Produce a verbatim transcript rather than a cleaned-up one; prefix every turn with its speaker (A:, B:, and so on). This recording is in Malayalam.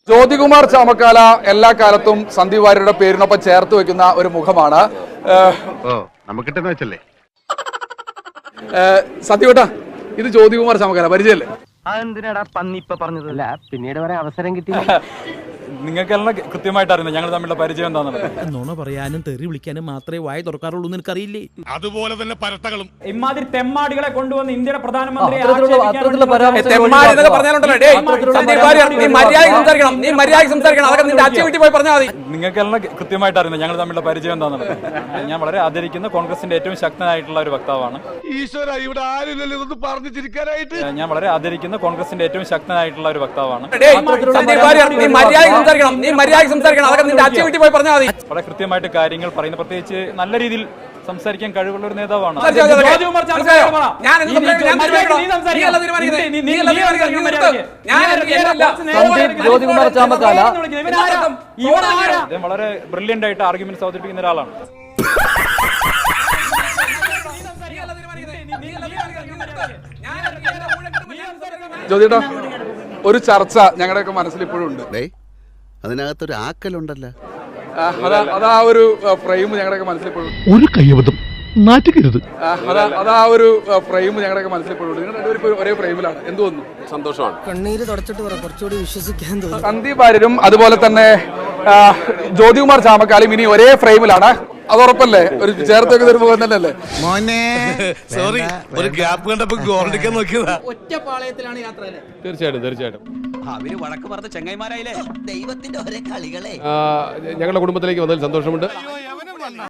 A: ജ്യോതികുമാർ ചാമക്കാല എല്ലാ കാലത്തും സന്ദീപ് വാര്യരുടെ പേരിനൊപ്പം ചേർത്ത് വെക്കുന്ന ഒരു മുഖമാണ്. സത്യവട്ടാ, ഇത് ജ്യോതികുമാർ ചാമക്കാല പരിചയല്ലേ?
B: അതെന്തിനാടാ പന്നി ഇപ്പൊ പറഞ്ഞതല്ല, പിന്നീട് വരെ അവസരം കിട്ടി.
C: നിങ്ങൾക്കെല്ലാം കൃത്യമായിട്ട് അറിയുന്നത് ഞങ്ങൾ തമ്മിലുള്ള പരിചയം എന്താണെന്നുള്ളത്.
D: നുണ പറയാനും തെറി വിളിക്കാനും മാത്രമേ വായ തുറക്കാറുള്ളൂ എന്ന് എനിക്കറിയില്ലേ.
E: അതുപോലെ തന്നെ പരട്ടകളും
F: ഇമാതിരി തെമ്മാടികളെ കൊണ്ടുവന്ന് ഇന്ത്യയുടെ പ്രധാനമന്ത്രി
C: നിങ്ങൾക്കെല്ലാം കൃത്യമായിട്ട് അറിയുന്നത് ഞങ്ങൾ തമ്മിലുള്ള പരിചയം എന്താണെന്നുള്ളത്. ഞാൻ വളരെ ആദരിക്കുന്ന കോൺഗ്രസിന്റെ ഏറ്റവും ശക്തനായിട്ടുള്ള ഒരു വക്താവാണ്.
E: ഈശ്വര, ഇവിടെ ആരില്ലല്ലോ ഇതൊന്ന് പറഞ്ഞു ചിരിക്കാനായിട്ട്.
C: ഞാൻ വളരെ ആദരിക്കുന്ന കോൺഗ്രസിന്റെ ഏറ്റവും ശക്തനായിട്ടുള്ള ഒരു വക്താവാണ്. വളരെ കൃത്യമായിട്ട് കാര്യങ്ങൾ പറയുന്ന, പ്രത്യേകിച്ച് നല്ല രീതിയിൽ സംസാരിക്കാൻ കഴിവുള്ള ഒരു നേതാവാണ്.
B: ജ്യോതികുമാർ ചാമക്കാല
C: വളരെ ബ്രില്യന്റ് ആയിട്ട് ആർഗ്യുമെന്റ്സ് അവതരിപ്പിക്കുന്ന ഒരാളാണ്.
A: ജ്യോതിട്ടാ, ഒരു ചർച്ച ഞങ്ങളുടെയൊക്കെ മനസ്സിൽ ഇപ്പോഴും ഉണ്ട്.
G: അതിനകത്തൊരു ആക്കലുണ്ടല്ലോ,
A: അതാ ഒരു ഫ്രെയിം ഞങ്ങളുടെയൊക്കെ മനസ്സിൽ ഇപ്പോഴും
E: ഒരു കയ്യബദ്ധം നാറ്റിക്കരുത്.
A: അതാ ഒരു ഫ്രെയിം ഞങ്ങളുടെയൊക്കെ മനസ്സിൽ ഇപ്പോഴും ഉണ്ട്. നിങ്ങൾ രണ്ടുപേരും ഒരേ ഫ്രെയിമിലാണ്. എന്ത് തോന്നുന്നു?
G: സന്തോഷമാണ്.
D: കണ്ണീര് തുടച്ചിട്ട് കുറച്ചുകൂടി വിശ്വസിക്കാൻ തോന്നുന്നു.
A: സന്ദീപ് വാര്യരും അതുപോലെ തന്നെ ജ്യോതികുമാർ ചാമക്കാലയും ഇനി ഒരേ ഫ്രെയിമിലാണ്. അത് ഉറപ്പല്ലേ? ഒരു ചേർത്ത് വെക്കുന്ന ഒരു മുഖം തന്നെയല്ലേ?
E: സോറി, ഒരു ഗ്യാപ്പ് കണ്ടപ്പോ ഗോൾഡിക്കാൻ നോക്കിയതാ.
D: ഒറ്റപ്പാളയത്തിലാണ് യാത്ര.
C: തീർച്ചയായിട്ടും തീർച്ചയായിട്ടും
B: അവര് വടക്ക് പറഞ്ഞ ചെങ്ങൈമാരായില്ലേ, ദൈവത്തിന്റെ ഒരേ കളികളെ.
H: ഞങ്ങളുടെ കുടുംബത്തിലേക്ക് വന്നതിൽ സന്തോഷമുണ്ട്.